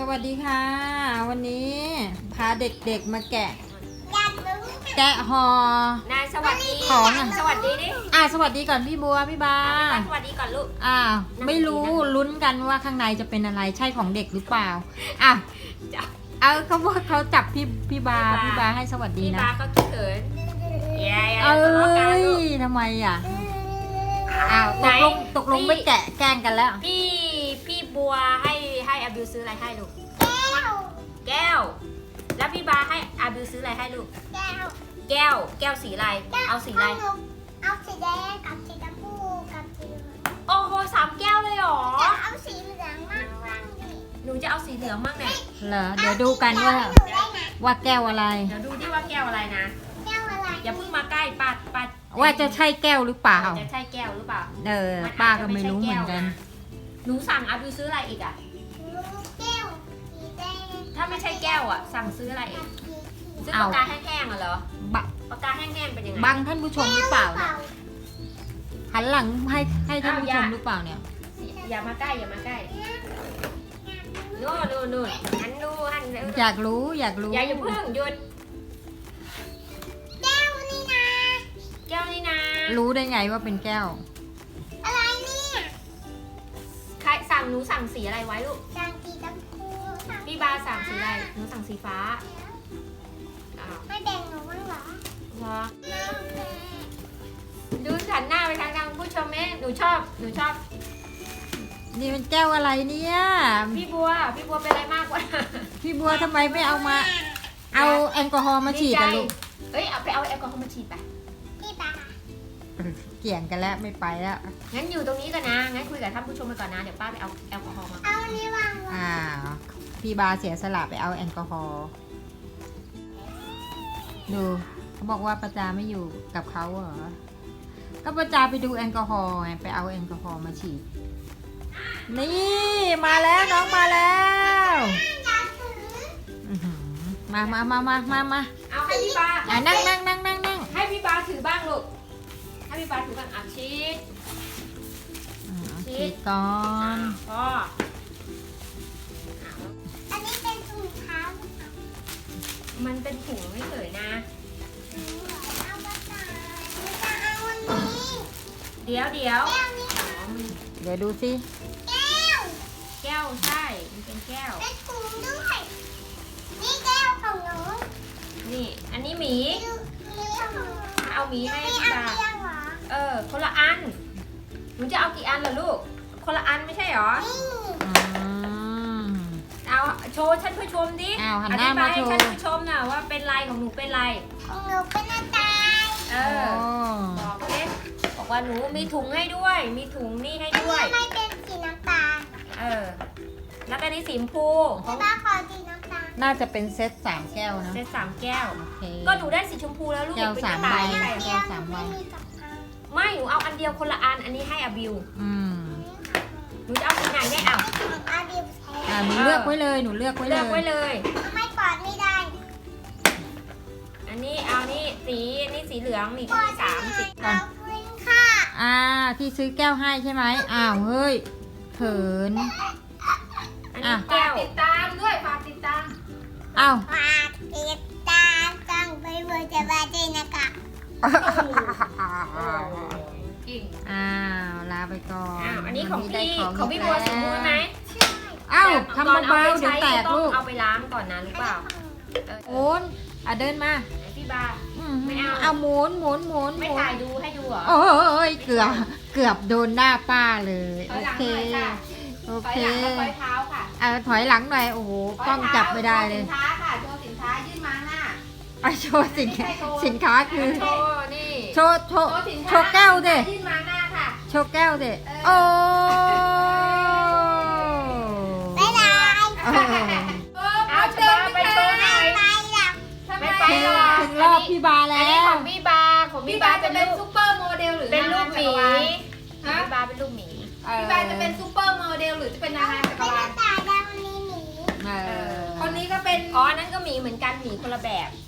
วัสดีค่ะวันนี้พาเด็กๆมาแกะห่อนายสวัสดีของสวัสดีดิสวัสดีก่อนพี่บัวพี่บาสวัสดีก่อนลูกไม่รู้ลุ้นกันว่าข้างในจะเป็นอะไรใช่ของเด็กหรือเปล่าเอาเขาบอกเขาจับพี่บาให้สวัสดีนะพี่บาเขาคิดเขินทำไมตกลงไม่แกะแกล้งกันแล้วพี่บัวให้อาบิวซื้ออะไรให้ลูกแก้วแล้วพี่บาให้อาบิวซื้ออะไรให้ลูกแก้วสีอะไรเอาสีอะไรเอาสีแดงกับสีชมพูกับสีเหลืองโอ้โห3 แก้วเลยเหรอจะเอาสีเหลืองมั่งดิหนูจะเอาสีเหลืองมั่งเนี่ยเหรอเดี๋ยวดูกันว่าแก้วอะไรเดี๋ยวดูดิว่าแก้วอะไรนะแก้วอะไรอย่าเพิ่งมาใกล้ปัดว่าจะใช่แก้วหรือเปล่าจะใช่แก้วหรือเปล่าป้าก็ไม่รู้เหมือนกันหนูสั่งอาบิวซื้ออะไรอีกอ่ะแก้วสีแดงถ้าไม่ใช่แก้วอ่ะสั่งซื้ออะไรอีกซื้อปากกาแห้งๆเหรอปากกาแห้งๆเป็นยังไงบังท่านผู้ชมหรือเปล่าหันหลังให้ท่านผู้ชมหรือเปล่าเนี่ยอย่ามาใกล้นู่นหันดูอยากรู้อย่าเพิ่งหยุดแก้วนี่นะรู้ได้ไงว่าเป็นแก้วอะไรเนี่ยใครสั่งหนูสั่งสีอะไรไว้ลูกสั่งสีชมพูพี่บาสั่งสีอะไรหนูสั่งสีฟ้าไม่แบ่งหนูบ้างเหรอดูหันหน้าไปทางผู้ชมไหมหนูชอบนี่เป็นแก้วอะไรเนี่ยพี่บัวเป็นอะไรมากกว่าพี่บัวทำไมไม่เอาแอลกอฮอล์มาฉีดกันลูกเอาไปเอาแอลกอฮอล์มาฉีดไปพี่บาเกี่ยงกันแล้วไม่ไปแล้วงั้นอยู่ตรงนี้กันนะงั้นคุยกับท่านผู้ชมไปก่อนนะเดี๋ยวป้าไปเอาแอลกอฮอล์มาเอานี่วางพี่บาเสียสละไปเอาแอลกอฮอล์ดูเขาบอกว่าประจาไม่อยู่กับเขาเหรอก็ประจาไปดูแอลกอฮอล์ไงไปเอาแอลกอฮอล์มาฉีดนี่มาแล้วน้องมาแล้วมาเอาให้พี่บานั่งให้พี่บาถือบ้างลูกให้พี่บาถือบ้างชีดก่อนพ่ออันนี้เป็นถุงเท้ามันเป็นถุงไม่เฉยนะเดี๋ยวแก้วนี่เดี๋ยวดูสิแก้วใช่มันเป็นแก้วเป็นถุงด้วยนี่แก้วของหนูนี่อันนี้หมีเอาหมีให้พี่บาคนละอันหนูจะเอากี่อันล่ะลูกคนละอันไม่ใช่หรอเอาโชว์ท่านผู้ชมดิอธิบายให้ท่านผู้ชมนะว่าเป็นลายของหนูเป็นลายของหนูเป็นหน้าตาบอกเลยบอกว่าหนูมีถุงให้ด้วยมีถุงนี่ให้ด้วยไม่เป็นสีน้ำตาลแล้วก็นี่สีชมพูของบ้าขอสีน้ำตาลน่าจะเป็นเซต3 แก้วนะเซต3 แก้วก็หนูได้สีชมพูแล้วลูกแก้ว3 ใบแก้ว3 ใบไม่หนูเอาอันเดียวคนละอันอันนี้ให้อาบิวหนูจะเอาสีไหนได้หนูเลือกไว้เลยไม่ปอดไม่ได้อันนี้เอานี่สีเหลืองนี่ที่3สีก่อนค่ะที่ซื้อแก้วให้ใช่ไหมเฮ้ยเขินอันนี้แก้วติดตามด้วยฝากติดตามฝากติดตามต้องไปเวอร์จะมาด้วยนะคะลาไปก่อนอันนี้ของพี่บัวสมบูรณ์ไหมทำเบาๆเดี๋ยวแตกลูกเอาไปล้างก่อนนะรู้เปล่าโอนเดินมาพี่บาไม่เอาหมุนไม่ถ่ายดูให้ดูเหรอโอ้ยเกือบโดนหน้าป้าเลยโอเคถอยเท้าค่ะถอยหลังหน่อยโอ้โหกล้องจับไม่ได้เลยสินค้าค่ะโชว์สินค้ายื่นมาหน้าโชว์สินค้าคือโชว์นี่โชว์แก้วดิยื่นมาหน้าค่ะโชว์แก้วดิโอ้ไม่ได้เอาเดินไปโชว์หน่อยไม่ไปหรอกถึงรอบพี่บาแล้วอันนี้ของพี่บาจะเป็นซุปเปอร์โมเดลหรือเป็นรูปหมีพี่บาเป็นรูปหมีพี่บาจะเป็นซุปเปอร์โมเดลหรือจะเป็นนางงามจักรวาลคนนี้ก็เป็นอันนั้นก็หมีเหมือนกันหมีคนละแบบ